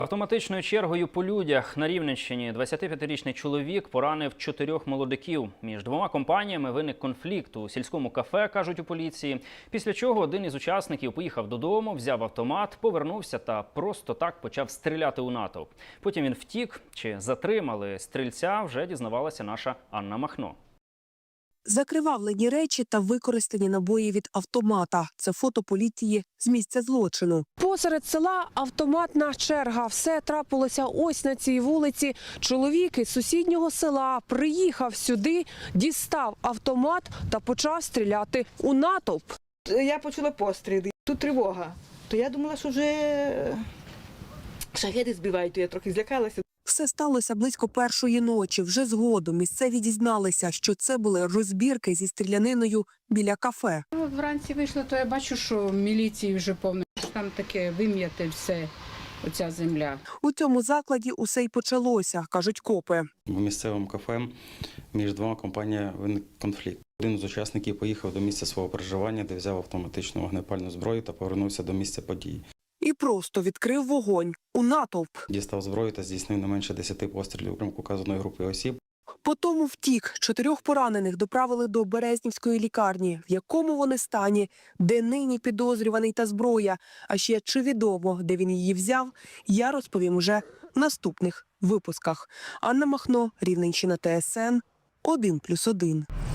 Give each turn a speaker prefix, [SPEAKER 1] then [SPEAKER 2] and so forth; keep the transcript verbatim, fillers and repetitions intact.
[SPEAKER 1] Автоматичною чергою по людях на Рівненщині двадцятип'ятирічний чоловік поранив чотирьох молодиків. Між двома компаніями виник конфлікт у сільському кафе, кажуть у поліції. Після чого один із учасників поїхав додому, взяв автомат, повернувся та просто так почав стріляти у натовп. Потім він втік. Чи затримали стрільця, вже дізнавалася наша Анна Махно.
[SPEAKER 2] Закривавлені речі та використані набої від автомата. Це фото поліції з місця злочину. Посеред села автоматна черга. Все трапилося ось на цій вулиці. Чоловік із сусіднього села приїхав сюди, дістав автомат та почав стріляти у натовп.
[SPEAKER 3] Я почула постріли. Тут тривога. То я думала, що вже шахеди збивають, то я трохи злякалася.
[SPEAKER 2] Все сталося близько першої ночі. Вже згодом місцеві дізналися, що це були розбірки зі стріляниною біля кафе.
[SPEAKER 4] Вранці вийшло, то я бачу, що міліції вже повно. Там таке вим'яте все, оця земля.
[SPEAKER 2] У цьому закладі усе й почалося, кажуть копи.
[SPEAKER 5] В місцевому кафе між двома компаніями виник конфлікт. Один з учасників поїхав до місця свого проживання, де взяв автоматичну вогнепальну зброю та повернувся до місця події.
[SPEAKER 2] І просто відкрив вогонь у натовп.
[SPEAKER 5] Дістав зброю та здійснив не менше десяти пострілів у указаної групи осіб.
[SPEAKER 2] Потому втік. Чотирьох поранених доправили до Березнівської лікарні. В якому вони стані, де нині підозрюваний та зброя, а ще чи відомо, де він її взяв, я розповім уже в наступних випусках. Анна Махно, Рівненщина, Т С Н, один плюс один.